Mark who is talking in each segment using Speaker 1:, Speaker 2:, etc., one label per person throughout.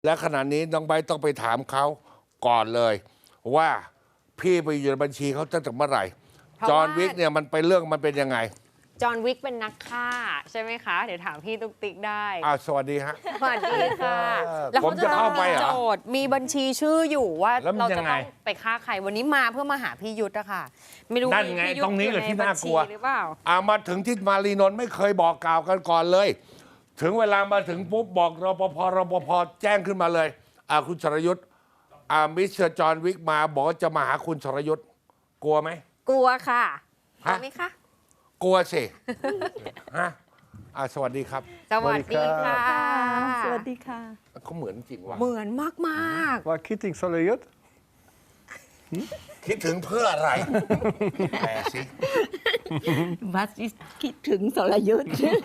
Speaker 1: และขณะนี้น้องไบร์ทต้องไปถามเขาก่อนเลย ว่าพี่ไปอยู่ในบัญชีเขาตั้งแต่เมื่อไหร่ จอห์นวิกเนี่ยมันเป็นเรื่องมันเป็นยังไง
Speaker 2: จอห์นวิกเป็นนักฆ่าใช่ไหมคะ เดี๋ยวถามพี่ตุ๊กติ๊กได้
Speaker 1: สวัสดีฮะ
Speaker 2: สวัสดีค่ะ
Speaker 1: ผมจะเข้าไปเหรอ
Speaker 2: โจทย์มีบัญชีชื่ออยู่ว่า
Speaker 1: แล้วมัน
Speaker 2: เรา
Speaker 1: ยั
Speaker 2: จะ
Speaker 1: งไง
Speaker 2: ต้องไปฆ่าใครวันนี้มาเพื่อมาหาพี่ยุทธอะค่ะ ไม่รู้
Speaker 1: นั่นไง
Speaker 2: พี่ยุทธ
Speaker 1: ตรงนี้
Speaker 2: อยู่
Speaker 1: แหละที่
Speaker 2: ใน
Speaker 1: น่ากลัว
Speaker 2: บัญชีหรือเปล่า
Speaker 1: มาถึงที่มารีนนท์ไม่เคยบอกกล่าวกันก่อนเลย ถึงเวลามาถึงปุ๊บบอกรปภแจ้งขึ้นมาเลยคุณชรยุทธ์มิสเตอร์จอห์นวิกมาบอกว่าจะมาหาคุณชรยุทธ์กลัวไหม
Speaker 2: กลัวค่ะก
Speaker 1: ฮะ
Speaker 2: ลัวไหมคะ
Speaker 1: กลัวสิ ฮะสวัสดีครับ
Speaker 2: สวัสดีค่ะ
Speaker 3: สวัสดีค่ะ
Speaker 1: เขาเหมือนจริงว่ะ
Speaker 2: เหมือนมาก
Speaker 3: Waar Kitting zal je het?
Speaker 1: คิดถึงเพื่ออะไร แปลสิ
Speaker 4: วัดคิดถึงสรยุทธ์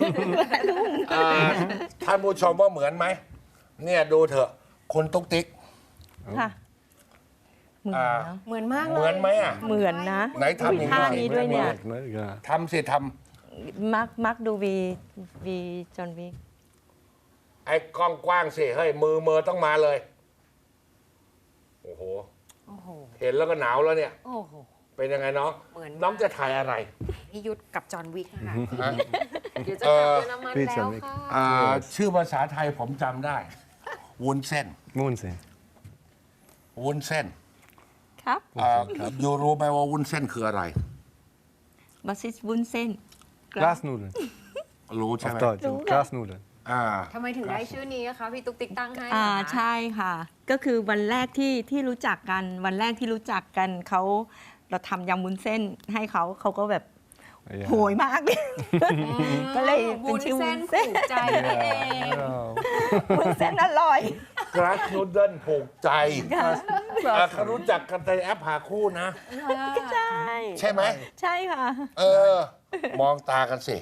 Speaker 1: ท่านผู้ชมว่าเหมือนไหม เนี่ยดูเถอะคุณตุ๊กติ๊ก
Speaker 4: ค่ะ เหมือนนะ
Speaker 2: ๆ เหมือนมากเลย
Speaker 1: เหมือนไหมอ่ะ
Speaker 4: เหมือนนะ
Speaker 1: ไหนทำอย่าง
Speaker 4: ท่า
Speaker 1: นี้
Speaker 4: นี้ด้วยเนี่ย
Speaker 3: Nee, ja.
Speaker 1: ทำสิท
Speaker 4: มักดูวีจอห์นวิก
Speaker 1: ำไอ้กล้องกว้างสิ เฮ้ย มือต้องมาเลย โอ้โห
Speaker 2: โอ้โห
Speaker 1: เห็นแล้วก็หนาวแล้วเนี่ย
Speaker 2: โอ้โห
Speaker 1: เป็นยังไงน้อง
Speaker 2: เหมือน
Speaker 1: น้องจะถ่ายอะไร
Speaker 2: พี่ยุทธกับจอห์นวิกค่ะ
Speaker 1: ฮะ
Speaker 2: เดี๋ยวจะกลับเยอรมัน
Speaker 3: พี่จ
Speaker 2: แล้
Speaker 3: อห์
Speaker 2: วน
Speaker 3: วิก
Speaker 2: ค่ะ
Speaker 1: ชื่อภาษาไทยผมจำได้ วุ้นเส้น
Speaker 3: Moonzin.
Speaker 1: วุ้นเส้น
Speaker 4: ครับ
Speaker 1: ยูรู้ไหมว่าวุ้นเส้นคืออะไร
Speaker 4: บัสซิสวุ้นเส้น
Speaker 3: Kaasnoedelen.
Speaker 1: รู้ใช่
Speaker 3: Of
Speaker 1: ไหม
Speaker 3: Duits. Kaasnoedelen.
Speaker 2: ทำไมถึงได้ชื่อนี้อะคะพี่ตุ๊กติ๊กตั้งให้เหรอคะ
Speaker 4: ใช่ค่ะ ก็คือวันแรกที่รู้จักกัน วันแรกที่รู้จักกันเราทำยำวุ้นเส้นให้เขาก็แบบ
Speaker 3: Ja.
Speaker 4: โหยมาก ก็เลยเป็น
Speaker 2: วุ้น
Speaker 4: ชื่อวุ้
Speaker 2: เส้น
Speaker 4: นเส้น
Speaker 2: ผูกใจนี่เอง
Speaker 3: Ja.
Speaker 4: วุ้นเส้นอร่อย
Speaker 1: กราสนูเดิลผูกใจเขารู้จักกันในแอปหาคู่นะ
Speaker 4: ใช่
Speaker 1: ใช่ไหม
Speaker 4: ใช่ค่ะ
Speaker 1: มองตากันสิ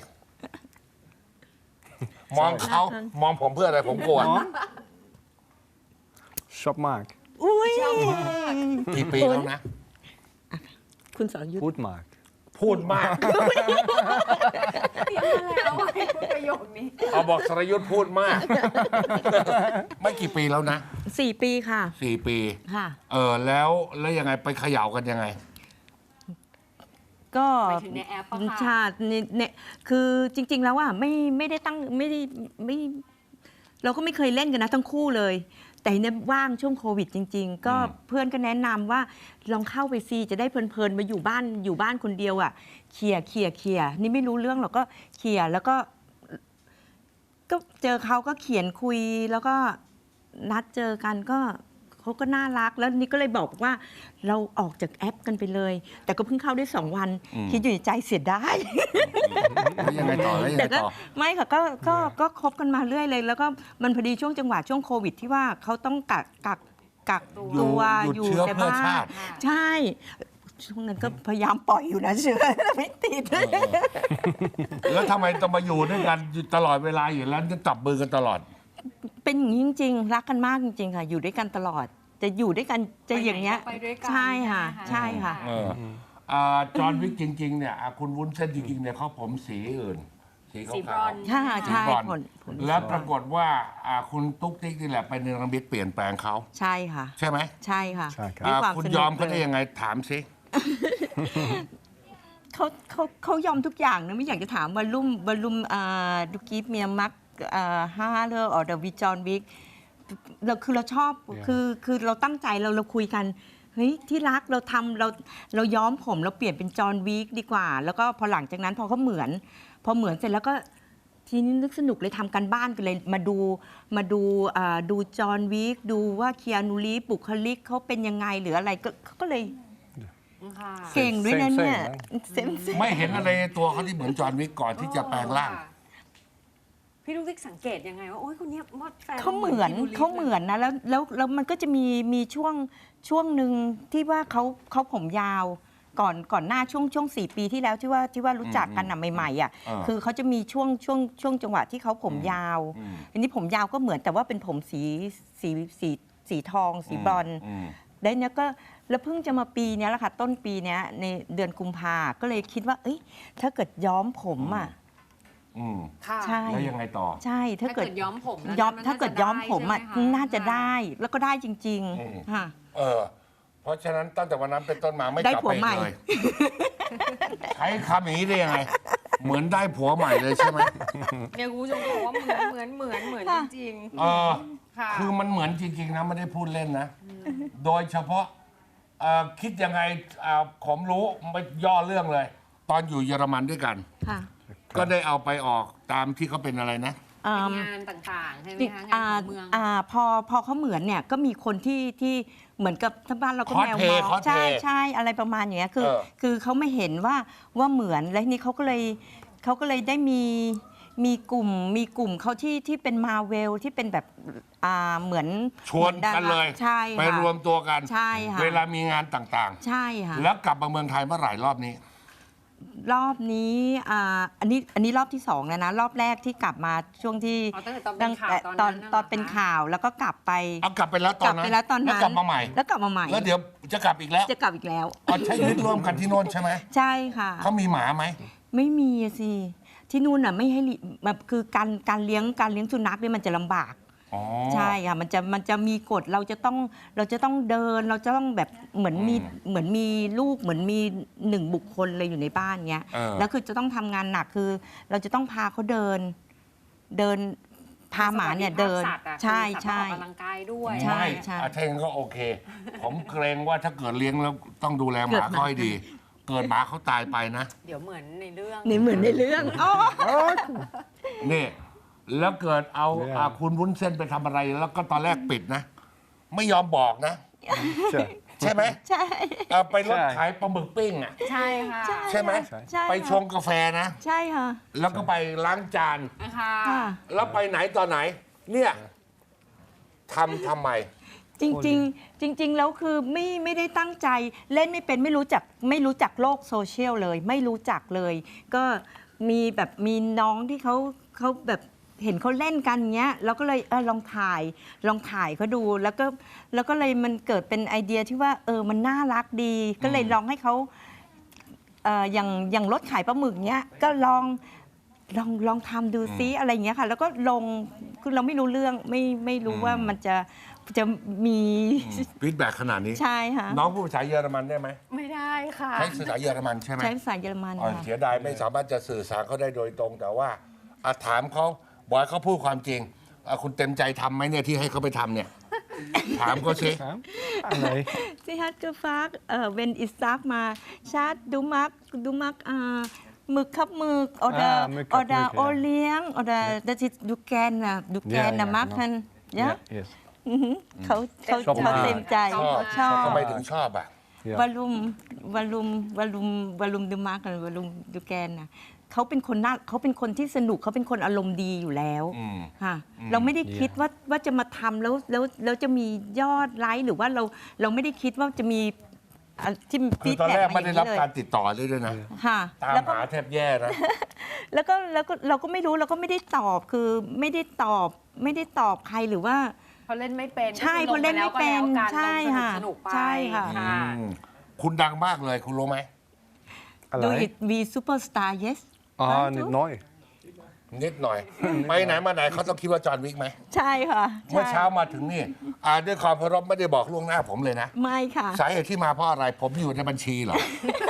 Speaker 1: มองเขามองผมเพื่ออะไรผมกลัว
Speaker 3: Shop Mark.
Speaker 4: อุ้ย
Speaker 1: กี่ปีแล้วนะ
Speaker 4: คุณสรยุทธ์
Speaker 3: Goed Mark.
Speaker 1: พูดมาก
Speaker 2: เตรียมมาแล้วให้พูดประโยคนี้
Speaker 1: เอาบอกสรยุทธ์พูดมาก ไม่กี่ปีแล้วนะ
Speaker 4: 4 ปีค่ะ
Speaker 1: 4 ปี
Speaker 4: ค่ะ
Speaker 1: แล้วยังไงไปเขย่ากันยังไง
Speaker 4: ก็
Speaker 2: หมายถึงในแอปปะคะ
Speaker 4: ชาติเนี่ยคือจริง ๆ แล้วอ่ะไม่ได้ตั้งไม่เราก็ไม่เคยเล่นกันนะทั้งคู่เลย แต่เนี่ยว่างช่วงโควิดจริง ๆ ก็เพื่อนก็แนะนำว่าลองเข้าไปซีจะได้เพลินๆมาอยู่บ้านคนเดียวอ่ะเคลียร์นี่ไม่รู้เรื่องหรอกก็เคลียร์แล้วก็เจอเขาก็เขียนคุยแล้วก็นัดเจอกันก็เขาก็น่ารักแล้วนี่ก็เลยบอกว่าเราออกจากแอปกันไปเลย แต่ก็เพิ่งเข้าได้2 วัน คิดอยู่ในใจเสียดาย
Speaker 1: แล้วยังไงต่อแล้วยัง
Speaker 4: แต่
Speaker 1: ไง
Speaker 4: ก็
Speaker 1: ต่อ
Speaker 4: ไม่ค่ะก็คบกันมาเรื่อยเลย แล้วก็มันพอดีช่วงจังหวะช่วงโควิดที่ว่าเขาต้องกักตัว
Speaker 1: หยุดเชื้อ
Speaker 4: แต่
Speaker 1: เพื่อ
Speaker 4: บ้า
Speaker 1: ชาน ติ
Speaker 4: ใช่ ช่วงนั้นก็พยายามปล่อยอยู่นะเชื้อ ไม่ติด
Speaker 1: แล้วทำไมต้องมาอยู่ด้วยกันอยู่ตลอดเวลาอยู่แล้วจะจับมือกันตลอด
Speaker 4: เป็นอย่างนี้จริงๆ รักกันมากจริงๆ ค่ะ อยู่ด้วยกันตลอด จะอยู่ด้วยกันจะอย่างเงี้ย
Speaker 2: ไปด้วยกัน
Speaker 4: ใช่ค่ะ ใช่ค่ะ
Speaker 1: จอห์นวิกจริง ๆ เนี่ยคุณวุ้นเส้นจริง ๆ เนี่ยเขาผมสีอื่น สี
Speaker 2: สีบร
Speaker 1: ขา
Speaker 2: อ
Speaker 1: วน
Speaker 2: ซ์
Speaker 4: ใช่
Speaker 1: ๆสี
Speaker 4: ใช่
Speaker 1: บรอนซ์
Speaker 4: ผล
Speaker 1: แล้วปรากฏว่าคุณตุ๊กติ๊กนี่แหละไปเนรมิตเปลี่ยนแปลงเขา
Speaker 4: ใช่ค่ะ
Speaker 1: ใช่ไหม
Speaker 4: ใช่ค่ะ
Speaker 3: ใช่ครับ
Speaker 4: ด้วยความ
Speaker 1: คุณ
Speaker 4: สนุก
Speaker 1: ยอมเขาได้
Speaker 4: ล
Speaker 1: ยังไงถามสิ
Speaker 4: เขายอมทุกอย่างนะไม่อยากจะถามวอลลุ่มดูกีฟเมียมักห้าเลอร์ออเดอร์วิจอนวิกเราชอบ
Speaker 3: Yeah.
Speaker 4: คือเราตั้งใจเราคุยกันเฮ้ยที่รักเราย้อมผมเราเปลี่ยนเป็นจอห์นวิกดีกว่า แล้วก็พอหลังจากนั้นพอเหมือนเสร็จแล้วก็ทีนี้นึกสนุกเลยทำกันบ้านกันเลยมาดูจอห์นวิกดูว่าเคียนูรีฟบุคลิกเขาเป็นยังไงหรืออะไรก็เลย
Speaker 2: ค่ะ
Speaker 4: เก่งด้วยนะเนี่ย
Speaker 3: เซ็ง
Speaker 4: เซ็ง
Speaker 1: ไม่เห็นอะไรในตัวเขาที่เหมือนจอห์นวิกก่อนที่จะแปลงร่าง
Speaker 2: พี่ลูกติ๊กสังเกตยังไงว่าโอ้ยคนเนี้ยว่าแฟน
Speaker 4: เขาเหมือน
Speaker 2: คีนูรีฟ
Speaker 4: เขาเหมือนนะแล้วมันก็จะมีช่วงหนึ่งที่ว่าเขาผมยาวก่อนหน้าช่วง4 ปีที่แล้วที่ว่ารู้จักกันน่ะใหม่ๆอ่ะ คือเขาจะมีช่วงจังหวะที่เขาผมยาว อันนี้ผมยาวก็เหมือนแต่ว่าเป็นผมสีทองสีบรอนซ์ได้เนี้ยก็แล้วเพิ่งจะมาปีเนี้ยแหละค่ะต้นปีเนี้ยในเดือนกุมภาก็เลยคิดว่าเอ้ยถ้าเกิดย้อมผมอ่ะ
Speaker 1: อืม
Speaker 2: ค่ะ
Speaker 4: ใช่
Speaker 1: แล้วยังไงต่อ
Speaker 4: ใช่ถ้า
Speaker 2: ถ้า
Speaker 4: เกิ
Speaker 2: เกิ
Speaker 4: ด
Speaker 2: ดย้อมผมนะ
Speaker 4: ย้อม
Speaker 2: มัน
Speaker 4: ถ้าเกิดย้อมผมอ่ะ
Speaker 2: ใช่ไห
Speaker 4: น่าจะได้แล้วก็ได้จริง
Speaker 1: อืม
Speaker 4: ๆค่ะ
Speaker 1: เพราะฉะนั้นตั้งแต่วันนั้นเป็นต้นมาไม่
Speaker 4: ได้
Speaker 1: กลับ
Speaker 4: ผั
Speaker 1: ไป
Speaker 4: วใหม่
Speaker 1: เลย ใช้คำอย่างนี้ได้ยังไง เหมือนได้ผัวใหม่เลยใช่ไหม
Speaker 2: เนี่ยคุณผู้ชมบอกว่าเหมือนจริง
Speaker 1: เออ
Speaker 2: ๆค่ะ
Speaker 1: คือมันเหมือนจริง ๆ นะ ไม่ได้พูดเล่นนะ โดยเฉพาะคิดยังไงผมรู้ไม่ย่อเรื่องเลย ตอนอยู่เยอรมันด้วยกัน
Speaker 4: ค่ะ
Speaker 1: ก็ได้เอาไปออกตามที่เขาเป็นอะไรนะ
Speaker 2: เป็นงานต่างๆ ใช่ไหมคะงานของเมือง
Speaker 4: พอเขาเหมือนเนี่ยก็มีคนที่เหมือนกับที่บ้านเราก็แมวม
Speaker 1: cosplay
Speaker 4: อง
Speaker 1: cosplay
Speaker 4: ใช่อะไรประมาณอย่างเงี้ยคือ
Speaker 1: เออ
Speaker 4: คือเขาไม่เห็นว่าเหมือนแล้วทีนี้เขาก็เลยได้มีกลุ่มเขาที่เป็นมาเวลที่เป็นแบบเหมือน
Speaker 1: ชวนกันเลย
Speaker 4: ใช่ค่ะ
Speaker 1: ไปรวมตัวกัน
Speaker 4: ใช่ค่ะ
Speaker 1: เวลามีงานต่าง
Speaker 4: ใช่ค่ะ
Speaker 1: ๆ แล้วกลับมาเมืองไทยเมื่อไหร่รอบนี้
Speaker 4: รอบนี้อันนี้รอบที่2แล้วนะรอบแรกที่กลับมาช่วงที่
Speaker 2: อ๋อตั้งแต่ตอนเป็นข่าวตอนนั้นน่ะ
Speaker 4: ตอนเป็นข่าวแล้วก็กลับไป
Speaker 1: เอากลับไปแล้วตอนนั้น
Speaker 4: กลับไปแล้วตอนนั้น
Speaker 1: แล้วกลับมาใหม่
Speaker 4: แล้วกลับมาใหม่
Speaker 1: แล้วเดี๋ยวจะกลับอีกแล้ว
Speaker 4: จะกลับอีกแล้ว
Speaker 1: อ๋อใช้ชีวิตร่วมกันที่โน่นใช่ไหม
Speaker 4: ใช่ค่ะ
Speaker 1: เขามีหมาไหม
Speaker 4: ไม่มีอะสิที่นู่นน่ะไม่ให้แบบคือการเลี้ยงสุนัขเนี่ยมันจะลำบาก
Speaker 1: อ๋อ
Speaker 4: ใช่ค่ะมันจะมีกฎเราจะต้องเดินเราจะต้องแบบเหมือนมีลูกเหมือนมี1 บุคคลเลยอยู่ในบ้านเงี้ย
Speaker 1: เออ
Speaker 4: แล้วคือจะต้องทำงานหนักคือ เราจะต้องพาเขาเดินพาหมาเนี่ยเดิน
Speaker 2: สวัสดิภาพสัตว์อะ
Speaker 4: ใช่
Speaker 2: คือสัตว์
Speaker 4: ใช่
Speaker 2: ต้องออกกำลังกายด้วย
Speaker 4: ใช่
Speaker 1: ไม่
Speaker 4: ใช่
Speaker 1: ถ้าอย่างนั้นก็โอเค ผมเกรงว่าถ้าเกิดเลี้ยงแล้วต้องดูแลห
Speaker 4: เกิ
Speaker 1: มา
Speaker 4: ดหมา
Speaker 1: เขาให้ดี เกิดหมาเขาตายไปนะ
Speaker 2: เดี๋ยวเหมือนในเรื่อง
Speaker 4: นี่เหมือนในเรื่องอ๋อ
Speaker 1: นี่แล้วเกิดเอา
Speaker 3: ไม่ได้
Speaker 1: คุณวุ้นเส้นไปทำอะไร แล้วก็ตอนแรกปิดนะ ไม่ยอมบอกนะ
Speaker 3: Sure.
Speaker 1: ใช่ไหม
Speaker 4: ใช่
Speaker 1: ไปรถ
Speaker 3: ใช่
Speaker 1: ขายปลาหมึกปิ้งอ่ะ
Speaker 2: ใช่ค่ะ
Speaker 1: ใช่ไหม
Speaker 4: ใช่
Speaker 1: ไปช
Speaker 4: ค่ะ
Speaker 1: งกาแฟนะ
Speaker 4: ใช่ค่ะ
Speaker 1: แล้วก็ไปล้างจาน
Speaker 2: นะคะ
Speaker 4: ค่ะ
Speaker 1: แล้วไปไหนตอนไหน เนี่ยทำไม
Speaker 4: จริงๆแล้วคือไม่ได้ตั้งใจเล่นไม่เป็นไม่รู้จักโลกโซเชียลเลยไม่รู้จักเลย ก็มีน้องที่เขาแบบเห็นเขาเล่นกันเงี้ยเราก็เลยลองถ่ายเขาดูแล้วก็เลยมันเกิดเป็นไอเดียที่ว่ามันน่ารักดี ก็เลยลองให้เขาอย่างรถขายปลาหมึกเนี้ยก็ลองทำดูซิอะไรเงี้ยค่ะ แล้วก็ลงคือเราไม่รู้เรื่องไม่รู้ว่ามันจะมี
Speaker 1: ฟีดแบ็ขนาดนี้
Speaker 4: ใช่ค่ะ
Speaker 1: น้องพูดภาษาเยอรมันได้ไหม
Speaker 2: ไม่ได้ค่ะ
Speaker 1: ใช้ภาษาเยอรมันใช่ไหม
Speaker 4: ใช้ภาษาเยอรมัน
Speaker 1: อ๋อ
Speaker 4: ค่ะ
Speaker 1: เสียดายไม่สามารถจะสื่อสารเขาได้โดยตรง แต่ว่าถามเขาบอกให้เขาพูดความจริงคุณเต็มใจทำไหมเนี่ยที่ให้เขาไปทำเนี่ย ถามเขาสิ
Speaker 3: Nee.
Speaker 4: Sie hat gefragt, wenn ich sag mal, Schat, du magst Mückkapmück oder
Speaker 3: Mückkapmück, ja.
Speaker 4: Olieng oder das ist du gerne machen, ja?
Speaker 3: Yes.
Speaker 4: เขา
Speaker 3: ชอบมาก
Speaker 4: เต็มใจ
Speaker 1: ชอบทำไมถึงชอบอ่ะ
Speaker 3: Ja.
Speaker 4: Warum du magst Warum du gerne เขาเป็นคนที่สนุกเขาเป็นคนอารมณ์ดีอยู่แล้ว
Speaker 1: อืม
Speaker 4: ค่ะเราไม่ได้คิดว่าจะมาทำแล้วจะมียอดไลค์หรือว่าเราไม่ได้คิดว่าจะมีที่
Speaker 1: คือตอนแรกไม่ได้รับการ
Speaker 4: ฟีดแบ็ก
Speaker 1: ติดต่อเลยด้วยนะ
Speaker 4: ค่ะ
Speaker 1: ตาม
Speaker 4: แล้วก็
Speaker 1: หาแทบแย่นะ
Speaker 4: แล้วก็เราก็ไม่รู้เราก็ไม่ได้ตอบคือไม่ได้ตอบใครหรือว่า
Speaker 2: เพราะเล่นไม่เป็น
Speaker 4: ใช่
Speaker 2: ก็คือ
Speaker 4: เพราะเล่นไม่เป็น
Speaker 2: ลงแล้วก็แล้วกัน
Speaker 4: ใช่ค่ะ
Speaker 2: สนุกๆไป
Speaker 4: ใช่ค่ะ
Speaker 1: อืมคุณดังมากเลยคุณรู้ไหม
Speaker 4: Do
Speaker 3: Allein?
Speaker 4: it we superstar yes
Speaker 3: Ah, niet neu.
Speaker 1: นิดหน่อย ไปไหนมาไหนเขาต้องคิดว่าจอห์นวิกไหม
Speaker 4: ใช่ค่ะ
Speaker 1: เมื่อ
Speaker 4: ใช่
Speaker 1: เช้ามาถึงนี่ด้วยความเคารพไม่ได้บอกล่วงหน้าผมเลยนะ
Speaker 4: ไม่ค่ะ
Speaker 1: สาเหตุที่มาเพราะอะไรผมอยู่ในบัญชีเหรอ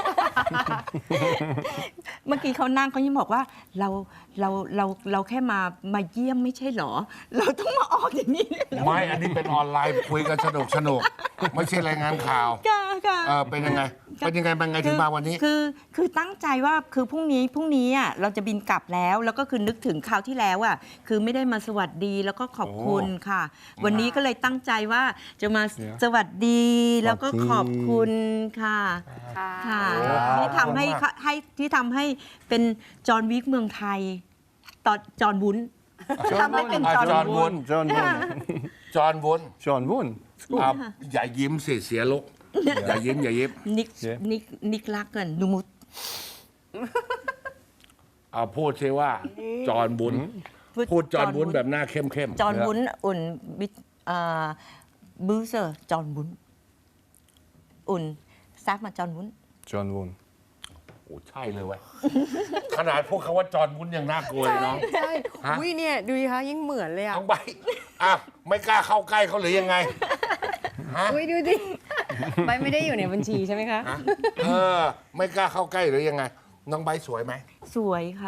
Speaker 4: เมื่อกี้เขานั่งเขายังบอกว่าเราแค่มาเยี่ยมไม่ใช่เหรอ เราต้องมาออกอย่างนี้เลยเหรอ
Speaker 1: ไม่อันนี้เป็นออนไลน์คุยกันสนุกไม่ใช่รายงานข่าว
Speaker 4: ค่ะ
Speaker 1: เป็นยังไงถึงมาวันนี้
Speaker 4: คือตั้งใจว่าคือพรุ่งนี้อ่ะเราจะบินกลับแล้วก็คือนึกถึงคราวที่แล้วอ่ะคือไม่ได้มาสวัสดีแล้วก็ขอบคุณค่ะ วันนี้ก็เลยตั้งใจว่าจะมาสวัสดีแล้วก็ขอบคุณค่ะ
Speaker 2: ค่ะ
Speaker 4: ค่ะ
Speaker 1: โอ้
Speaker 4: ที่ทำให้
Speaker 1: ขอบคุณมาก
Speaker 4: ที่ทำให้เป็นจอห์นวิกเมืองไทยตอนจอห์นวุ้น ทำให้เป็นจอห์น
Speaker 1: จอห์นวุ้น
Speaker 3: John Woon.
Speaker 1: จอห์นวุ้น
Speaker 3: John Woon. Is goed.
Speaker 1: อย่ายิ้มเสียลุกอย่ายิ้ม
Speaker 4: นิกลักกันนูมุต
Speaker 1: พูดใช่ว่าจอห์นวุ้นพูดจอห์นวุ้นแบบหน้าเข้ม
Speaker 4: จอห์นวุ้นอุ่นบิบูเซอร์จอห์นวุ้นอุ่นซักมาจอห์นวุ้น
Speaker 3: John Woon.
Speaker 1: โอ้ใช่เลยเว้ย ขนาดพวกเขาว่าจอห์นวุ้นยังน่ากลัวเลยน้อง
Speaker 2: ใช่
Speaker 1: ฮะ
Speaker 2: อุ้ยเนี่ยดูดิคะยิ่งเหมือนเลยอ่ะ
Speaker 1: น้องใบอ่ะไม่กล้าเข้าใกล้เขาหรือยังไงฮะ
Speaker 2: อุ้ยดูดิใบไม่ได้อยู่ในบัญชีใช่ไหมคะ
Speaker 1: ฮะไม่กล้าเข้าใกล้หรือยังไง น้องใบสวยไหม
Speaker 4: สวยค่ะ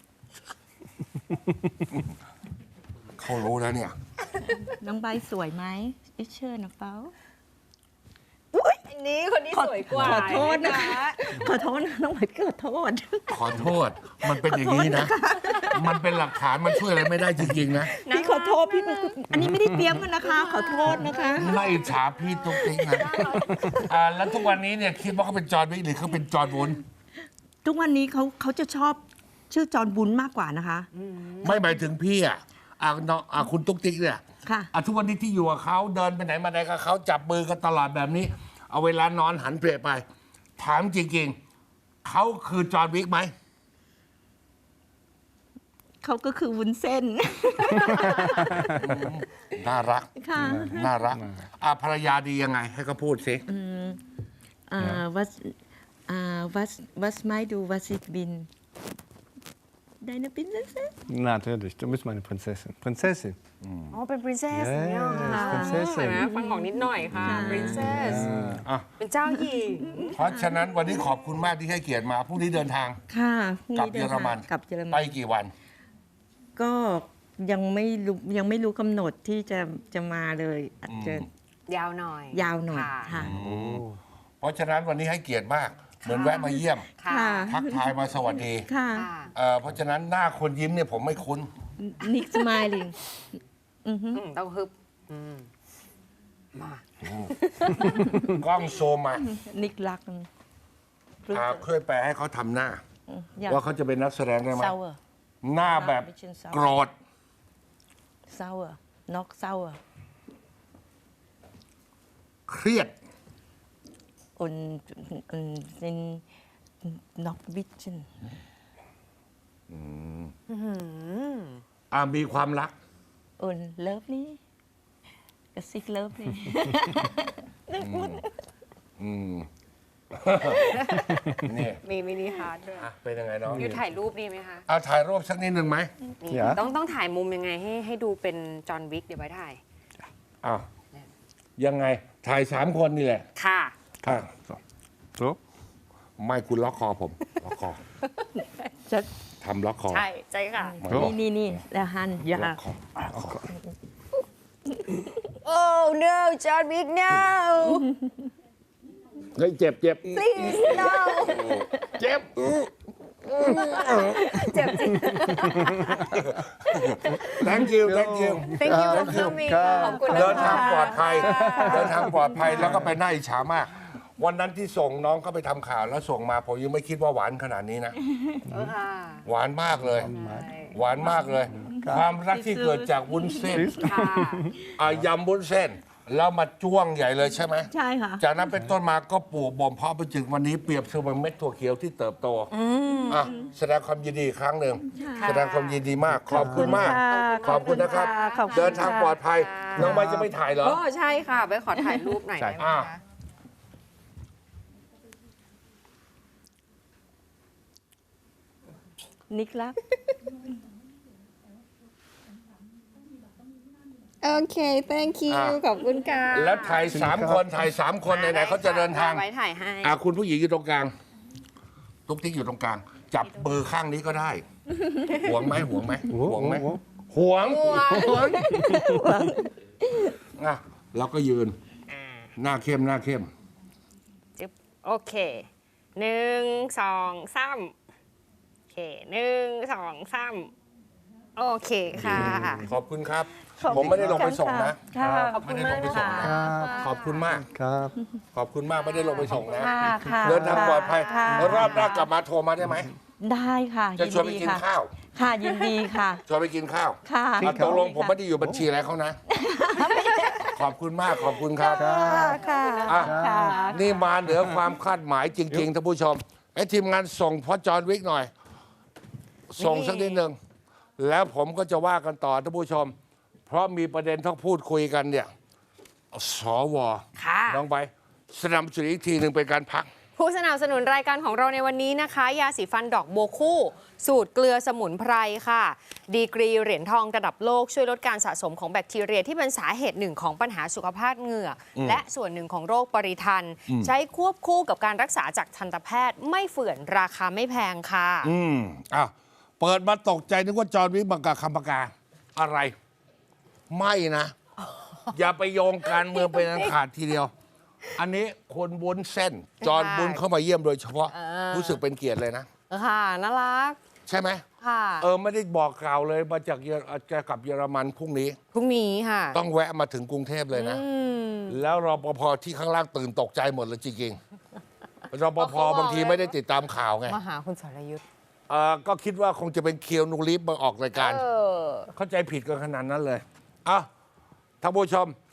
Speaker 1: เขารู้แล้วเนี่ย
Speaker 4: น้องใบสวยไหมอิเชิญนะเป้า
Speaker 2: อันนี้คนนี้สวยกว่า
Speaker 4: ขอโทษนะคะ ขอโทษนะน้องใบขอโทษ
Speaker 1: ขอโทษ มันเป็นอย่างนี้นะ มันเป็นหลักฐานมันช่วยอะไรไม่ได้จริงๆนะ
Speaker 4: พี่ขอโทษพี่อันนี้ไม่ได้เตรียมกันนะคะ ขอโทษนะคะ
Speaker 1: ไม่อิจฉาพี่ตุ๊กติ๊กนะแล้วทุกวันนี้เนี่ยคิดว่าเขาเป็นจอห์นวิกหรือเขาเป็นจอห์นวุ้น
Speaker 4: ทุกวันนี้เขาจะชอบชื่อจอห์นบุญมากกว่านะคะ
Speaker 1: ไม่หมายถึงพี่น้องคุณตุ๊กติ๊กเนี่ย
Speaker 4: ค่ะ
Speaker 1: ทุกวันนี้ที่อยู่กับเขาเดินไปไหนมาไหนกับเขาจับมือกันตลอดแบบนี้ เอาเวลานอนหันเปรไป ถามจริงๆเขาคือจอห์นวิกไหม
Speaker 4: เขาก็คือวุ้นเส้น
Speaker 1: น่ารัก
Speaker 4: ค่ะ
Speaker 1: น่ารักภรรยาดียังไง ให้เขาพูดสิ
Speaker 4: was meinst du was ich bin deine Prinzessin
Speaker 3: Natürlich, du bist meine Prinzessin. Prinzessin.
Speaker 2: อ๋อเป็น princess อย่างเงี้ยเหรอคะ
Speaker 3: Princess
Speaker 2: เห็นไหมฟังออกนิดหน่อยค่ะ princess เป็นเจ้าหญิง
Speaker 1: เพราะฉะนั้นวันนี้ขอบคุณมากที่ให้เกียรติมาพรุ่งนี้เดินทาง
Speaker 4: ค่ะ
Speaker 1: กลับเยอรมัน
Speaker 4: กลับเยอร
Speaker 1: ไป
Speaker 4: มัน
Speaker 1: กี่วัน
Speaker 4: ก็ยังไม่รู้กำหนดที่จะมาเลยอาจจะ
Speaker 2: ยาวหน่อย
Speaker 4: ยาวหน่อย
Speaker 2: ค่ะ
Speaker 4: ค่ะ
Speaker 1: เพราะฉะนั้นวันนี้ให้เกียรติมาก เหมือนแวะมาเยี่ยม
Speaker 2: ค่ะ
Speaker 4: ค่ะ
Speaker 1: ทักทายมาสวัสดี
Speaker 4: ค่ะ
Speaker 2: ค่ะ
Speaker 1: เพราะฉะนั้นหน้าคนยิ้มเนี่ยผมไม่คุ้น
Speaker 4: Nick smiling
Speaker 2: ต้องฮึบมา
Speaker 1: กล้องโซมมา
Speaker 4: Nick รัก
Speaker 1: ช่วยแปลให้เขาทำหน้า ว่าเขาจะเป็นนักแสดงได้ไหม
Speaker 4: sour
Speaker 1: หน้าแบบโกรธ
Speaker 4: sour not sour
Speaker 1: เครียด
Speaker 4: und sind noch witchen
Speaker 1: มีความรัก
Speaker 4: und lovely Gesicht lovely
Speaker 1: นี่
Speaker 2: มีมินิฮาร์ดด้วย
Speaker 1: เป็นยังไงน้อง
Speaker 2: อยู่ถ่ายรูปดีไหมคะ
Speaker 1: เอาถ่ายรูปสักนิดหนึ่งไหม
Speaker 2: นี่
Speaker 3: อย่า
Speaker 2: ต้องถ่ายมุมยังไงให้ดูเป็นจอห์นวิกเดี๋ยวไว้ถ่าย
Speaker 1: อ้าวยังไง ถ่าย3 คนนี่แหละ
Speaker 2: ค่ะ
Speaker 1: อ่ะ
Speaker 3: So. So.
Speaker 1: ไม่คุณล็อกคอผม ล็อกคอ
Speaker 4: จะ
Speaker 1: ทำล็อกคอ
Speaker 2: ใช่ใช่ค่ะ
Speaker 4: นี่แล้วหันอย่า
Speaker 1: ล็อกคอ
Speaker 2: Oh no จอห์นวิก no
Speaker 1: เฮ้ยเจ็บ
Speaker 2: please no
Speaker 1: เจ็บ
Speaker 2: เจ็บจริง
Speaker 1: thank you thank you
Speaker 2: thank you for coming ขอบคุณนะคะ
Speaker 1: เดินทางปลอดภัย เดินทางปลอดภัยแล้วก็ไปน่าอิจฉามาก วันนั้นที่ส่งน้องเขาไปทำข่าวแล้วส่งมาผมยังไม่คิดว่าหวานขนาดนี้นะ
Speaker 2: ค่ะ
Speaker 1: หวานมากเลย หวานมากเลย ความรักที่เกิดจากวุ้นเส้น
Speaker 2: ค่ะ
Speaker 1: ยำวุ้นเส้น แล้วมาจ้วงใหญ่เลยใช่ไหม
Speaker 4: ใช่ค่ะ
Speaker 1: จากนั้นเป็นต้นมาก็ปลูกบ่มเพาะไปถึงวันนี้เปรียบเสมือนเม็ดถั่วเขียวที่เติบโตแสดงความยินดีอีกครั้งหนึ่งแสดงความยินดีมาก ขอบคุณมาก ขอบคุณนะครับ
Speaker 4: ขอบคุณค่ะ
Speaker 1: เดินทางปลอดภัย น้องใบจะไม่ถ่ายเหรอ
Speaker 2: โอ้ใช่ค่ะ ไปขอถ่ายรูปหน่อยได้ไหม
Speaker 1: อ่า
Speaker 2: คะ
Speaker 4: นิกรัก
Speaker 2: โอเค thank you ขอบคุณค่ะ
Speaker 1: แล้วถ่าย3 คนถ่าย3 คนไหนๆเขาจะเดินทาง
Speaker 2: ไว้ถ่ายให้
Speaker 1: คุณผู้หญิงอยู่ตรงกลางตุ๊กติ๊กอยู่ตรงกลาง จับเบอร์ข้างนี้ก็ได้ห่วงไหมห่วงไหมห่วงไหมห่วงเราก็ยืน หน้าเข้มหน้าเข้ม
Speaker 2: จึ๊บโอเค1 2 3โอเค1 2 3โอเคค่ะ
Speaker 1: ขอบคุณครับ ผมไม่ได้ลงไปส่งนะ
Speaker 4: ค่ะ
Speaker 2: ขอบคุณมากนะคะ
Speaker 1: ขอบคุณมาก
Speaker 3: Cup.
Speaker 1: ขอบคุณมากไม่ได้ลงไปส่งนะ
Speaker 4: ค่ะค่ะ
Speaker 1: เดินทางปลอดภัย
Speaker 4: ค่ะ
Speaker 1: รอบหน้ากลับมาโทรมาได้ไหม
Speaker 4: ได้ค่ะ
Speaker 1: จะชวนไป
Speaker 4: ยิ
Speaker 1: กิน
Speaker 4: ค่ะ
Speaker 1: ข้าว
Speaker 4: ค่ะยินดีค่ะ
Speaker 1: ชวนไปกินข้าว
Speaker 4: ค่ะ
Speaker 1: ตกลงผมไม่ได้อยู่บัญชีอะไรเขานะ ขอบคุณมากขอบคุณครับ
Speaker 4: ค่ะ
Speaker 1: อ่ะ
Speaker 4: ค่ะ
Speaker 1: นี่มาเหนือความคาดหมายจริง ๆ ท่านผู้ชมทีมงานส่งพ่อจอห์นวิกหน่อย ส่งสักนิดหนึ่งแล้วผมก็จะว่ากันต่อท่านผู้ชม เพราะมีประเด็นต้องพูดคุยกันเนี่ยสว
Speaker 2: ค่ะ
Speaker 1: น้องไปสนับสนุนอีกทีหนึ่งเป็นการพัก
Speaker 2: ผู้สนับสนุนรายการของเราในวันนี้นะคะ ยาสีฟันดอกบัวคู่ สูตรเกลือสมุนไพรค่ะ ดีกรีเหรียญทองระดับโลกช่วยลดการสะสมของแบคทีเรียที่เป็นสาเหตุหนึ่งของปัญหาสุขภาพเหงือกและส่วนหนึ่งของโรคปริทัน ใช้ควบคู่กับการรักษาจากทันตแพทย์ไม่เฝื่อนราคาไม่แพงค่ะ
Speaker 1: อ้าวเปิดมาตกใจนึกว่าจอห์นวิกบังกาคำปากกาอะไร ไม่นะ อย่าไปโยงการเมืองเป็นอันขาดทีเดียว อันนี้คนวุ้นเส้น จอห์นวุ้นเข้ามาเยี่ยมโดยเฉพาะ รู้สึกเป็นเกียรติเลยนะ
Speaker 2: ค่ะน่ารัก
Speaker 1: ใช่ไหม
Speaker 2: ค่ะ
Speaker 1: ไม่ได้บอกกล่าวเลยมาจากจะกลับเยอรมันพรุ่งนี้
Speaker 2: พรุ่งนี้ค่ะ
Speaker 1: ต้องแวะมาถึงกรุงเทพเลยนะ แล้วรปภที่ข้างล่างตื่นตกใจหมดเลยจริงๆรปภบางทีไม่ได้ติดตามข่าวไง
Speaker 2: มาหาคุณสรยุทธ์
Speaker 1: ก็คิดว่าคงจะเป็นเคียวนูรีฟมาออกรายการ เข้าใจผิดกันขนาดนั้นเลยท่านผู้ชม